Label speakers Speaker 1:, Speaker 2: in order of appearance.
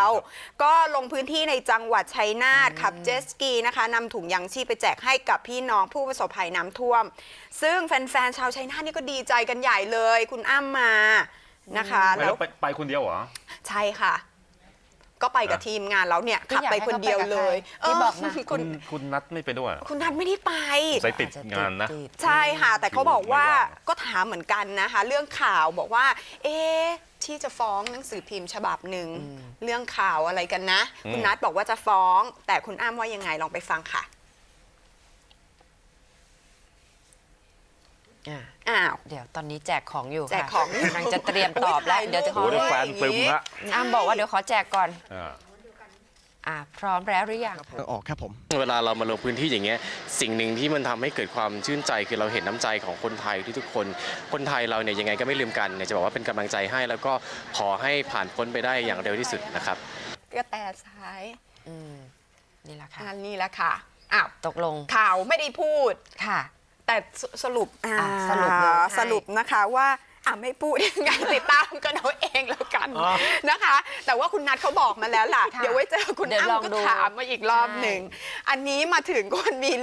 Speaker 1: ก็ลงพื้นที่ในจังหวัดชัยนาทขับเจ็ตสกีนะคะนำถุงยางชีพไปแจกให้กับพี่น้องผู้ประสบภัยน้ำท่วมซึ่งแฟนๆชาวชัยนาทนี่ก็ดีใจกันใหญ่เลยคุณอ้ำมานะคะ
Speaker 2: แล้วไปคนเดียวเหรอ
Speaker 1: ใช่ค่ะก็ไปกับทีมงานแล้วเนี่ยขับไปคนเดียวเลย
Speaker 3: ที่บอกนะ
Speaker 2: คุณนัทไม่ไปด้วย
Speaker 1: คุณนัทไม่ได้ไป
Speaker 2: ใส่ติดงานนะ
Speaker 1: ใช่ค่ะแต่เขาบอกว่าก็ถามเหมือนกันนะคะเรื่องข่าวบอกว่าที่จะฟ้องหนังสือพิมพ์ฉบับหนึ่งเรื่องข่าวอะไรกันนะคุณนัทบอกว่าจะฟ้องแต่คุณอ้ำว่ายังไงลองไปฟังค่ะ
Speaker 3: เดี๋ยวตอนนี้แจกของอยู่
Speaker 1: แจกของ
Speaker 3: กำลังจะเตรียมตอบแล้วเดี๋ยวจะขอ
Speaker 2: แฟนตึมละ
Speaker 3: อ้ำบอกว่าเดี๋ยวขอแจกก่อนพร้อมแล้วหรือยัง
Speaker 4: ออกครับผม
Speaker 5: เวลาเรามาลงพื้นที่อย่างเงี้ยสิ่งหนึ่งที่มันทำให้เกิดความชื่นใจคือเราเห็นน้ำใจของคนไทยที่ทุกคนไทยเราเนี่ยยังไงก็ไม่ลืมกันจะบอกว่าเป็นกำลังใจให้แล้วก็ขอให้ผ่านพ้นไปได้อย่างเร็วที่สุดนะครับ
Speaker 1: ก็แต่ซ้าย
Speaker 3: นี่แหละค่ะ
Speaker 1: นี่แหละค่ะ
Speaker 3: ตกลง
Speaker 1: ข่าวไม่ได้พูด
Speaker 3: ค่ะ
Speaker 1: แต่สรุปนะคะว่าไม่พูดยังไงติดตามกันเอาเองแล้วกันนะคะแต่ว่าคุณนัทเขาบอกมาแล้วล่ะเดี๋ยวไว้เจอคุณอ้ำก็ถามมาอีกรอบหนึ่งอันนี้มาถึงคนมี